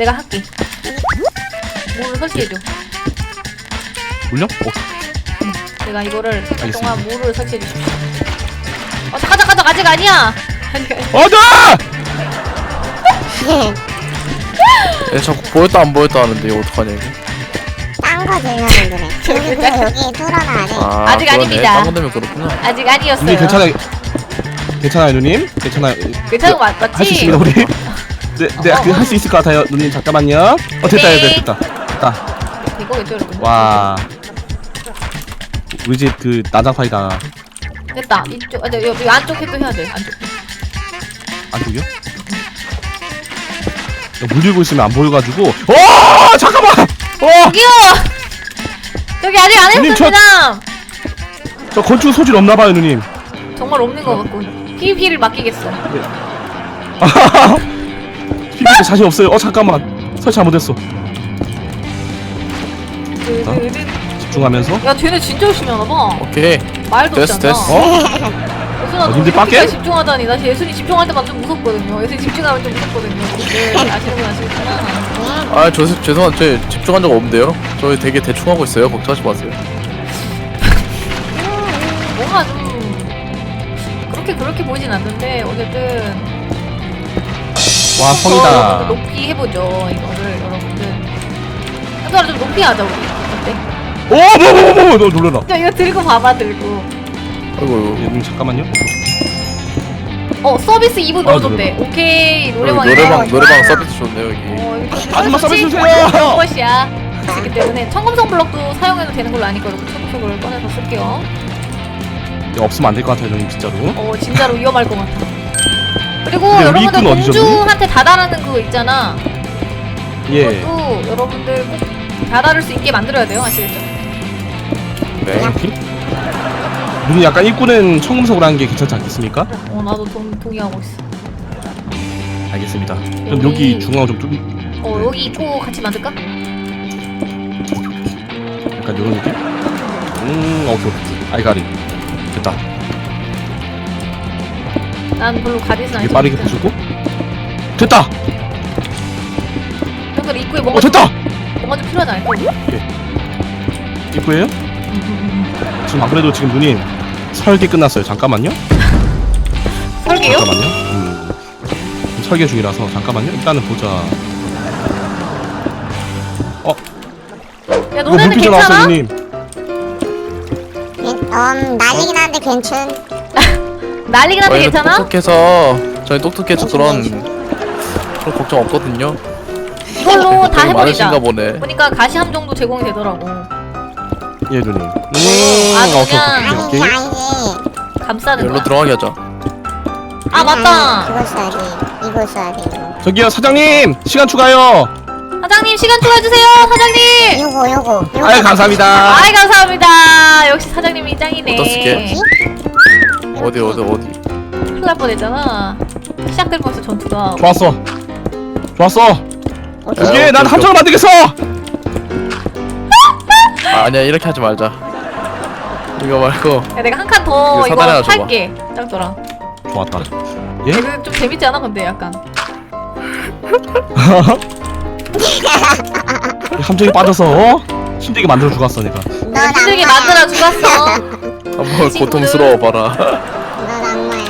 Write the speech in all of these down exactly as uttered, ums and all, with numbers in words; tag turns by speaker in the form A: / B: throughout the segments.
A: 내가 할게. 물을 설치해줘.
B: 물려? 어,
A: 내가 이거를 설치
B: 알겠습니다.
A: 동안 물을 설치해 주십시오. 어 잠깐 잠깐 잠깐 아직 아니야. 아직 아니야.
B: 어다!
C: 얘 자꾸 보였다 안 보였다 하는데 이거 어떡하냐 이거.
D: 딴거 들려면 그래. 여기 그래 여기 뚫어놔야 돼.
C: 아,
A: 아직
C: 그러네.
A: 아닙니다.
C: 딴거 되면 그렇구나.
A: 아직 아니었어요.
B: 누님 괜찮아요? 괜찮아요 누님? 괜찮아요?
A: 괜찮은 거 맞, 맞지?
B: 할 수 있습니다 우리. 네, 네,
A: 어,
B: 그
A: 어.
B: 할 수 있을 것 같아요 누님 잠깐만요. 어 됐다
A: 네.
B: 됐다 됐다. 됐다.
A: 이거겠죠 여러분.
B: 와. 우리 집 그 난장판이다.
A: 됐다. 이쪽 아, 네, 여기 안쪽 해도 해야 돼. 안쪽.
B: 안쪽이요? 물 들고 있으면 안 보여가지고. 어 잠깐만. 어.
A: 저기요. 저기 아직 안
B: 누님, 저-
A: 했습니다.
B: 저 건축 소질 없나봐요 누님.
A: 정말 없는 것 같고. 피비피를 맡기겠어.
B: 피부에 자신 없어요. 어 잠깐만. 설치 잘못했어.
A: 드드드.
B: 집중하면서.
A: 야 쟤네 진짜 열심히 하나 봐.
C: 오케이.
A: 말도
C: 됐어,
A: 없잖아.
C: 됐어.
B: 어?
A: 예순아
B: 어,
A: 너
B: 님들 빡게?
A: 이렇게까지 집중하다니. 나 예순이 집중할 때만 좀 무섭거든요. 예순이 집중하면 좀 무섭거든요. 네, 아시는 분 아시겠구나.
C: 아, 저 죄송한 저 집중한 적 없는데요. 저 되게 대충 하고 있어요. 걱정하지 마세요.
A: 뭔가 좀 그렇게 그렇게 보이진 않는데 어쨌든
B: 와 성이다.
A: 더 높이 해보죠 이거를 여러분들. 하더라도 좀 높이 하자 우리. 어때?
B: 오뭐뭐뭐뭐 너 놀래라.
A: 야 이거 들고 봐봐 들고.
C: 아이고,
B: 예, 누님 잠깐만요.
A: 어 서비스 이 분
B: 아,
A: 넣어줬대. 오케이
C: 여기
A: 노래방.
C: 노래방 노래방 서비스 좋네요 여기.
A: 어, 이거
B: 아줌마 서비스 주세요.
A: 그런 것이야. 그렇기 때문에 청금성 블럭도 사용해도 되는 걸로 아니까 여러분 청금성을 꺼내서 쓸게요.
B: 야, 없으면 안 될 것 같아요 누님 진짜로.
A: 어 진짜로 위험할 것 같아. 그리고
B: 근데 우리
A: 여러분들
B: 입구는 어디죠, 누님?
A: 공주한테 다다라는 그거 있잖아.
B: 예.
A: 그것도 여러분들 꼭 다다를 수 있게 만들어야 돼요 아시겠죠?
C: 네.
B: 이렇게? 누님 약간 입구는 청금석으로 하는 게 괜찮지 않겠습니까?
A: 어 나도 동, 동의하고 있어.
B: 알겠습니다. 그럼
A: 여기-
B: 여기 중앙 좀 뚫.
A: 어 여기 입구 같이 만들까?
B: 약간 이런 느낌? 음, 오케이 오케이. 아이가리. 됐다.
A: 난 별로 가디슨
B: 이게
A: 아니지.
B: 빠르게 부수고. 됐다.
A: 형들 입구에 뭔가
B: 어 됐다.
A: 좀, 뭔가 좀 필요하지 않을까? 우리?
B: 입구에요? 지금 안 그래도 지금 누님 설계 끝났어요. 잠깐만요.
A: 설계요?
B: 잠깐만요. 음, 지금 설계 중이라서 잠깐만요. 일단은 보자. 어,
A: 야
B: 이거
A: 너네는
B: 물피자 나왔어요,
A: 괜찮아?
B: 누님.
D: 음 날리긴 한데 괜찮.
A: 난리긴 한데
C: 저희는
A: 괜찮아?
C: 똑똑해서 저희 똑똑해서 그런 그런 걱정 없거든요.
A: 이걸로 다
C: 되게
A: 해버리자.
C: 많으신가 보네.
A: 보니까 가시함 정도 제공이 되더라고.
B: 예, 누님. 음,
A: 아주
B: 오케이,
A: 그냥-
B: 오케이,
D: 아니지
B: 오케이.
D: 아니지.
A: 감싸는
C: 열로
A: 거야.
C: 들어가게 하자.
A: 아 맞다.
D: 이거 써야 돼. 이거 써야 돼. 이거.
B: 저기요, 사장님 시간 추가요.
A: 사장님 시간 추가해주세요 사장님.
D: 요거 요거. 요거.
B: 아유 감사합니다.
A: 아이 감사합니다. 역시 사장님이 짱이네.
C: 어떡해? 어디 어디 어디.
A: 큰일 날 뻔했잖아. 시작될 뻔했어 전투가.
B: 좋았어. 좋았어.
D: 어디?
B: 여기
C: 오케이,
B: 난
C: 오케이,
B: 함정을 만들겠어.
C: 아, 아니야 이렇게 하지 말자. 이거 말고
A: 야 내가 한 칸 더
C: 이거
A: 이거
C: 사다리 하나 줘봐.
A: 살게. 짱돌아.
B: 좋았다. 예?
A: 이거 좀 재밌지 않아 근데 약간.
B: 함정에 빠져서 어? 힘들게 만들어 주었어 내가.
D: 넌
A: 힘들게
D: 악마야.
A: 만들어 죽었어.
C: 한번
A: 친구들.
C: 고통스러워 봐라.
D: 넌 악마야.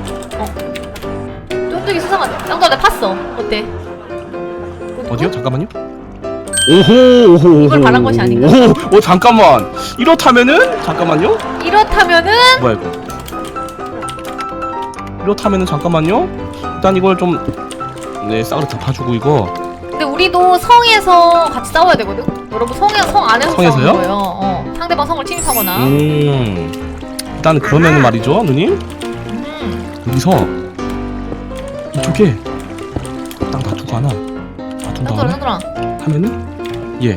A: 쫀득이 수상하네. 짱돌아 내가 팠어. 어때?
B: 어디요? 잠깐만요. 오호 오호
A: 이걸
B: 오호,
A: 바란 것이 아닌가?
B: 오호, 어 잠깐만. 이렇다면은 잠깐만요.
A: 이렇다면은
B: 뭐야 이거? 이렇다면은 잠깐만요. 일단 이걸 좀 네, 싹으로 덮어주고 이거.
A: 근데 우리도 성에서 같이 싸워야 되거든? 여러분 성에 성 안에서
B: 성에서요?
A: 싸우는 거예요. 어. 상대방 성을 침입하거나.
B: 음. 일단 그러면은 말이죠, 누님.
A: 음.
B: 여기서 이쪽에 딱 놔두고 하나 놔둔
A: 짱돌아
B: 다음에
A: 짱돌아.
B: 하면은 예.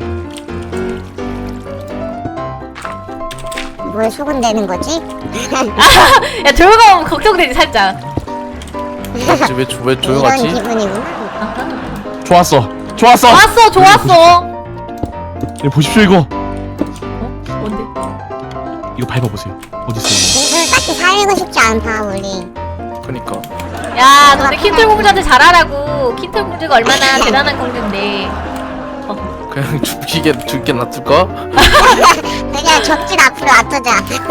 D: 뭘 수군대는 거지?
A: 야 조용히 하면 걱정되지 살짝.
C: 맞지 왜, 조- 왜
D: 이런
C: 조용하지?
D: 기분이구나.
B: 좋았어. 좋았어.
A: 좋았어 좋았어.
B: 예, 보십시오 이거.
A: 어? 뭔데?
B: 이거 밟아 보세요. 어디 있어요?
D: 이걸 딱히 살리고 싶지 않다 우리.
C: 그니까
A: 야, 너네 킨틀 공주한테 잘하라고. 킨틀 공주가 얼마나 대단한 공주인데.
C: 그냥 죽이게 죽게 놔둘까?
D: 그냥 적진 앞으로 놔두자.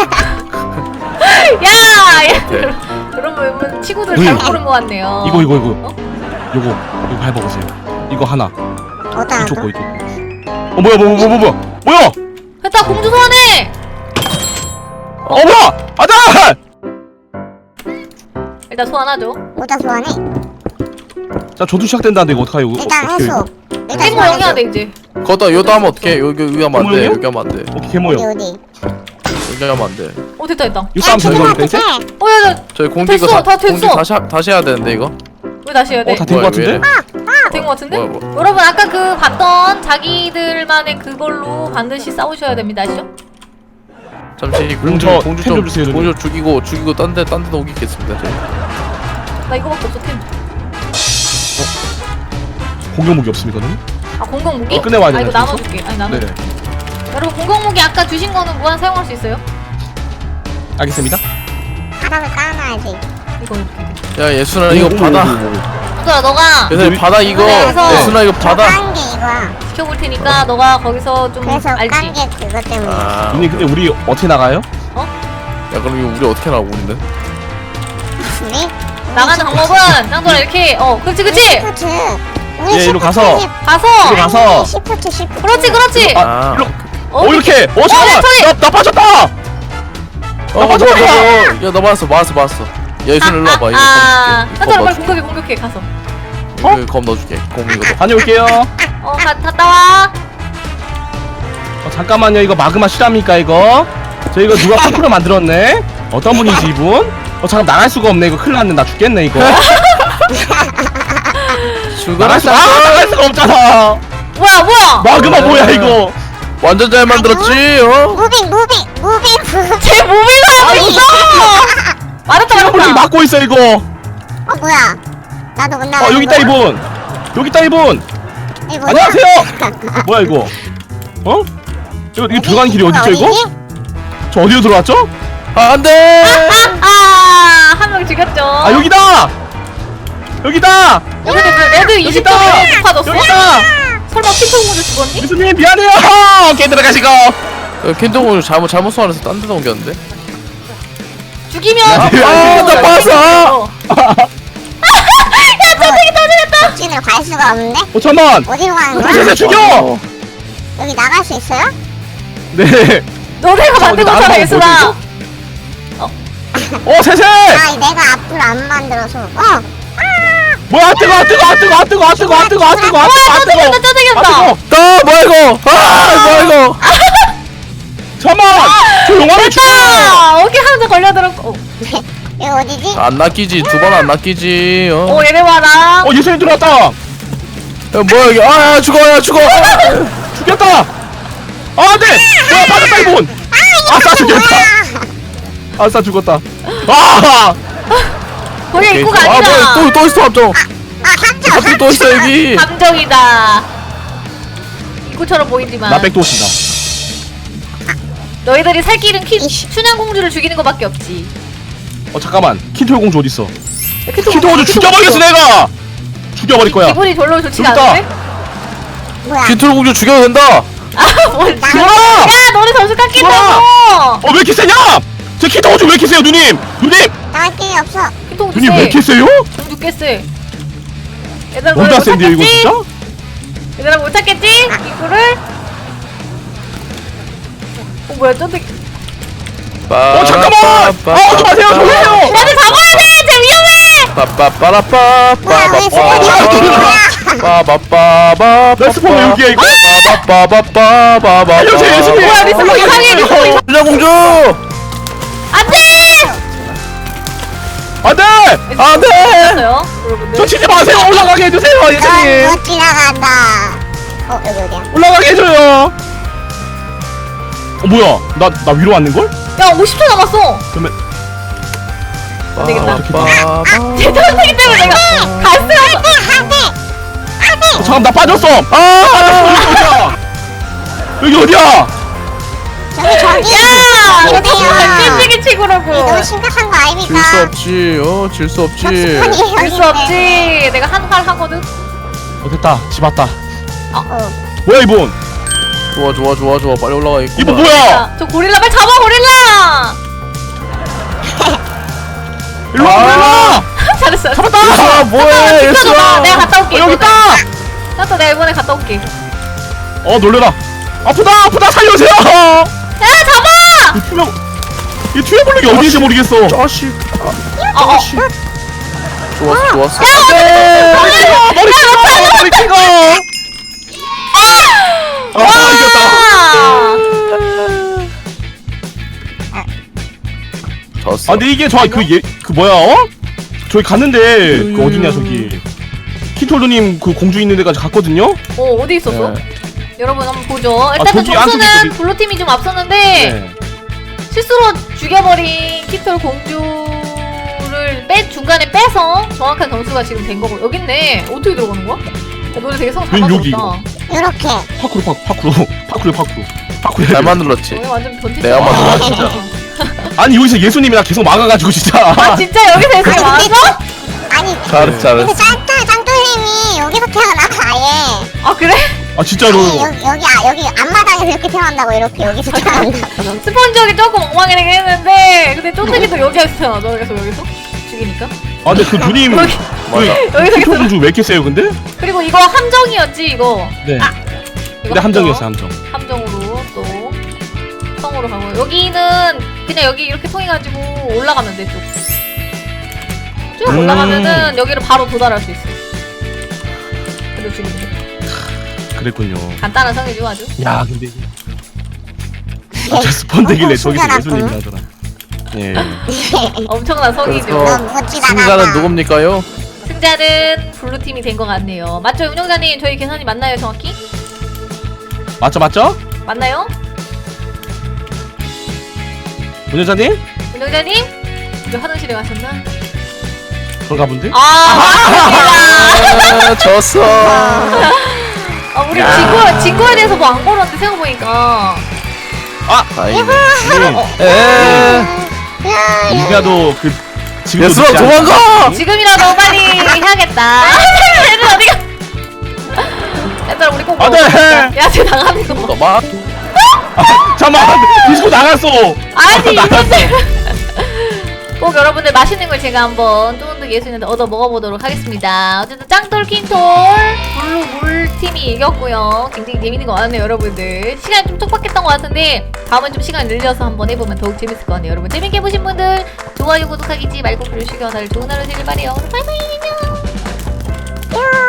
A: 야, 야.
C: 네.
A: 여러분 친구들
B: 음.
A: 잘 고른 것 같네요.
B: 이거 이거 이거
A: 어?
B: 요거 이거 밟아보세요. 이거 하나
D: 어디다
B: 이쪽 거
D: 놔둬?
B: 이쪽 거. 어 뭐야 뭐야 뭐야 뭐야 뭐야
A: 됐다, 공주 소환해.
B: 어 뭐야 아자
A: 일단 소환하죠.
D: 어디다 소환해?
B: 자 저도 시작된다는데 이거 어떡해요 이거
D: 일단
B: 어떻게
D: 해소. 일단
A: 땡모
D: 소환해줘.
A: 영해야 돼 이제.
C: 거기다 여기다 하면 어떡해? 여기 여기 하면 안 돼.
B: 뭐예요?
C: 여기 하면 안 돼.
B: 오케이
D: 어디
B: 개모요
D: 어디?
C: 여기 하면 안 돼.
A: 어 됐다 됐다.
B: 이거 싸움 되는
D: 아,
B: 거니까 이제?
D: 어떡해.
A: 어, 야, 야,
C: 저희 공기 이거
A: 됐어,
C: 다,
A: 다 됐어.
C: 공기 다시 하- 다시 해야 되는데 이거.
A: 왜 다시 해야 돼?
B: 어 다 된 거
C: 뭐야,
B: 같은데?
C: 왜 이래?
A: 된 것 같은데?
C: 뭐야, 뭐.
A: 여러분 아까 그 봤던 자기들만의 그걸로 반드시 싸우셔야 됩니다, 아시죠?
C: 잠시
B: 그럼
C: 공주
B: 저
C: 공주
B: 템
C: 좀
B: 좀 주세요,
C: 공주 죽이고 죽이고 딴데딴 데도 오겠습니다. 저희.
A: 나 이거밖에 없어 템.
B: 공격 무기 없습니까 너는?
A: 아 공격 무기?
B: 어, 끝내와야
A: 아
B: 되나,
A: 이거
B: 지금?
A: 나눠줄게. 아니 나눠.
B: 네
A: 여러분 공격 무기 아까 주신 거는 무한 사용할 수 있어요?
B: 알겠습니다.
D: 바닥을 쌓아놔야지.
A: 이거 이렇게.
C: 야 예순아 이거 받아.
A: 얘들아 너가
C: 얘들 받아 이거.
A: 그래서-
C: 예순아 이거 받아.
D: 깐게 이거야.
A: 지켜볼 테니까 너가 거기서 좀
D: 그래서
A: 알지?
D: 깐게 그것 때문에.
C: 아.
B: 누님 근데 우리 어떻게 나가요?
C: 야 그럼 이거 우리 어떻게 나가 우리는?
D: 우리?
A: 나가는 방법은 짱돌아 이렇게 어 그렇지 그렇지
D: 시프트.
B: 예, 이리로 가서.
A: 가서
B: 이리 가서.
D: 시프트 시프트.
A: 그렇지 그렇지
C: 아.
B: 일로.
A: 어,
B: 어 이렇게 어 잠깐만
A: 저기!
B: 나, 나 빠졌다
C: 어, 뭐,
B: 맞아,
C: 뭐,
B: 맞아.
C: 뭐, 야, 너 맞았어, 맞았어, 맞았어. 예순 일로 와봐, 이거
A: 아,
C: 검
A: 짱돌아 빨리
C: 넣어줄게.
A: 공격해 공격해 가서
C: 이거 이거 검 넣어줄게, 검 이거.
B: 다녀올게요
A: 어 가, 갔다 와
B: 어, 잠깐만요 이거 마그마 실합니까 이거? 저 이거 누가 거꾸로 만들었네? 어떤 분이지 이분? 어 잠깐 나갈 수가 없네 이거 큰일 났네 나 죽겠네 이거
C: 죽어라,
B: 나갈 수, 아 나갈 수가 없잖아
A: 뭐야 뭐야
B: 마그마
C: 네.
B: 뭐야 이거
C: 완전 잘 만들었지, 어?
D: 무빙 무빙 무빙 무빙.
A: 제 몸을 하고 있어 맞았다
B: 시간분이
A: 맞았다
B: 막고 있어 이거
D: 어 뭐야? 나도 못 나가.
B: 어 여기 있다 이분 여기 있다 이분
D: 이 뭐야?
B: 안녕하세요 뭐야 이거 어? 이거, 이거 들어가는 길이 어디죠 이거? 저 어디로 들어왔죠?
C: 아, 안 돼!
A: 아한 명 죽였죠
B: 아 여기다! 여기다!
A: 여기 레드 이십
B: 여기다!
A: 점에 높아졌어?
B: 여기다!
A: 설마 킹통문을 죽었니?
B: 미수님 미안해요 오케이 들어가시고
C: 킨동을 잘못, 잘못 소환해서 딴 데다 옮겼는데?
A: 죽이면
B: 아,
C: 아, 나 봤어!
D: 적진을 갈 수가 없는데?
B: 어 잠만
D: 어디로 가는 거야?
B: 세세 죽여!
D: 여기 나갈 수 있어요?
B: 네
A: 너네가
B: 저
A: 만든
B: 어디
A: 거잖아
B: 나가면
A: 예술아
B: 어 세세!
D: 아 내가 앞을 안 만들어서. 어.
B: 뭐야 뜨거 아 뜨거 아 뜨거 아 뜨거 아 뜨거 아 뜨거 아 뜨거 아 뜨거 아 뜨거
A: 짜증났다
B: 아
A: 짜증났다
B: 뜨거
C: 아, 뭐야, 이거! 아, 뭐야, 이거!
B: 잠만! 저 용암에 죽어!
A: 아 오케이 한점 걸려들었고 어.
D: 여기 어디지?
C: 안 낚이지, 두 번 안 낚이지, 어?
A: 오 얘네 봐라
B: 어 예수님 들어왔다!
C: 야, 뭐야, 이게. 아, 야, 죽어, 야, 죽어!
B: 죽였다! 아 안돼! 뭐야 빠졌다 이분! 아싸 죽였다! 아싸 죽었다 아!
A: 거기
C: 오케이.
A: 입구가
C: 아, 뭐야,
A: 아니라
C: 또, 또 있어, 함정!
D: 아 함정.
C: 함정 또 있어, 여기!
A: 감정이다 입구처럼 보이지만
B: 나 백도 오신다
A: 너희들이 살 길은 키, 춘향공주를 죽이는 거밖에 없지
B: 어 잠깐만 킨토 공주 어딨어?
A: 킨토
B: 킨토 공주 죽여버리겠어 내가! 죽여버릴 거야
A: 기분이 별로 좋지가
B: 여기 있다.
A: 않은데?
D: 뭐야?
C: 킨톨 공주 죽여도 된다!
A: 아뭘
D: 나-
B: 죽어라!
A: 야 너네 점수 깎인다고
B: 어왜 이렇게 세냐? 저 킨토 공주 왜 이렇게 세요 누님? 누님!
D: 나갈 길이 없어.
A: 킨토공주
B: 누님 왜 이렇게 세요?
A: 공주 깼세 얘들아 너네
B: 뭔가
A: 못
B: 센데요 이거
A: 찾겠지?
B: 진짜?
A: 얘들아 못 찾겠지? 입구를 어 뭐야 쫀득
B: 어 잠깐만! 아 오지 마세요 저기요!
A: 나를 잡아야 돼! 쟤 위험해!
C: 빠빠빠라빠
D: 뭐야 왜 스포츠야?
C: 빠바빠바
B: 나 스폰 왜 여기야 이거?
C: 빠바빠바바바바
B: 알려주세요 예수님!
A: 뭐야, 내 스폰 이상해, 내 스폰 이상해.
C: 춘향공주!
A: 안돼!
B: 안돼!
C: 안돼!
A: 됐어요 여러분들
B: 저 치지 마세요 올라가게 해주세요 예수님!
D: 넌못 지나간다. 어 여기 어디야?
B: 올라가게 해줘요! 어 뭐야 나, 나 위로 왔는걸?
A: 야 오십 초 남았어
B: 그러면
A: 안 되겠다.
C: 빠바바바.
A: 대전이기 때문에 내가 갈 수가 없어
B: 어, 잠깐 나 빠졌어! 아! 빠졌어 여기 어디야?
D: 저기 저기
A: 야! 이거
D: 어디야?
A: 찌찌개 치고라고.
D: 너무 심각한 거 아닙니까?
C: 질 수 없지. 어, 질 수 없지.
D: 적수판이에요
A: 질 수 없지. 내가 한 칼 하거든.
B: 어 됐다 집 왔다.
D: 어.
B: 뭐야 이분?
C: 좋아, 좋아, 좋아, 좋아. 빨리 올라가.
B: 이분 뭐야?
A: 자, 저 고릴라 빨리 잡아 고릴라.
B: 일로 와 일로 와.
A: 잘했어. 잡았다.
C: 예수아, 뭐해, 예수아.
A: 내가 갔다 올게.
B: 어, 여기 있다.
A: 나또 내가 이번에 갔다 올게.
B: 어 놀래라. 아프다 아프다 살려주세요.
A: 야 잡아.
B: 이 투명 이 투명 블록이 어디인지 모르겠어.
C: 자식.
A: 어, 어.
C: 좋았어, 좋았어.
B: 네. 머리 찍어 머리 찍어 머리 찍어. 아 이겼다.
C: 졌어.
B: 아 근데 이게 저 그 예 그 뭐야 어? 저기 갔는데 그 어디냐 저기 킨톨드님 그 공주 있는 데까지 갔거든요.
A: 어 어디 있었어?
C: 네.
A: 여러분 한번 보죠. 일단은
B: 저기 안쪽에
A: 점수는
B: 저기-
A: 블루팀이 좀 앞섰는데
B: 네.
A: 실수로 죽여버린 키톨 공주를 빼 중간에 빼서 정확한 점수가 지금 된 거고. 여기 있네. 어떻게 들어가는 거야? 야, 너네 되게 성잘
B: 웬 여기
A: 만들었다.
D: 요렇게.
B: 파쿠르 파쿠 파쿠르 파쿠르 파쿠르 파쿠르.
C: 잘 만들었지.
A: 너네 완전 변태.
C: 내가 만들었다, 진짜.
B: 아니 여기서 예수님이 나 계속 막아가지고 진짜.
A: 아 진짜 여기서 있을
D: 아니,
A: 많았어?
D: 아니
C: 잘했어, 잘했어.
D: 근데 짱돌 짱돌님이 여기서 태어나 아예.
A: 아 그래?
B: 아 진짜로.
D: 아니, 여기 여기 아 여기 앞마당에서 이렇게 태어난다고 이렇게 여기서 태어난다고.
A: 스펀지역이 조금 엉망이긴 했는데 근데 쫀득이도 여기서 태어나죠. 여기서 여기서 죽이니까.
B: 아 근데 그 누님
A: 여기
C: 맞아.
A: 여기서
B: 킨톨 공주 왜 이렇게 세요 근데?
A: 그리고 이거 함정이었지 이거.
B: 네.
A: 아 이거
B: 근데 함정이었어 함정.
A: 함정으로 또 성으로 가고 여기는 그냥 여기 이렇게 통해가지고 올라가면 돼 쭉. 쭉
B: 음.
A: 올라가면은 여기를 바로 도달할 수 있어. 근데 지금
B: 그랬군요.
A: 간단한 성이죠 아주.
B: 야 근데 아, 저 스폰 되길래
D: 어,
B: 저기서
D: 신기하다,
B: 예수님이
D: 또.
B: 하더라. 예.
A: 엄청난 성이죠.
C: 그래서
D: 너무 멋지다.
C: 승자는 누굽니까요?
A: 승자는 블루 팀이 된 것 같네요. 맞죠 운영자님? 저희 계산이 맞나요 정확히?
B: 맞죠 맞죠?
A: 맞나요?
B: 운영자님?
A: 운영자님? 왜 화장실에 가셨나?
B: 그런가 본데?
A: 아 맞습니다.
C: 아, 졌어.
A: 아 우리 진거 진거에 대해서 뭐 안 걸었는데 생각해보니까.
C: 다행이네.
B: 음.
C: 에.
B: 이가도 그 지금
C: 예수아, 도망가!
A: 지금이라도 빨리 해야겠다. 얘들 어디가? 얘들아 우리 꼭
B: 안 돼!
A: 먹어보자. 야쟤 나가는 거.
C: 너만.
B: 잠깐만 디스코 나갔어.
A: 아니
B: 나갔어.
A: 이분들. 꼭 여러분들 맛있는 걸 제가 한번 쫀득 예수님한테 얻어 먹어보도록 하겠습니다. 어쨌든 짱돌 킨톨 블루 물 팀이 이겼고요. 굉장히 재밌는 거 많네요 여러분들. 시간이 좀 촉박했던 것 같은데 다음은 좀 시간 늘려서 한번 해보면 더욱 재밌을 것 같네요. 여러분 재밌게 보신 분들 좋아요 구독하기 잊지 말고 그러시고 다들 좋은 하루 되길 바래요. 바이바이 안녕.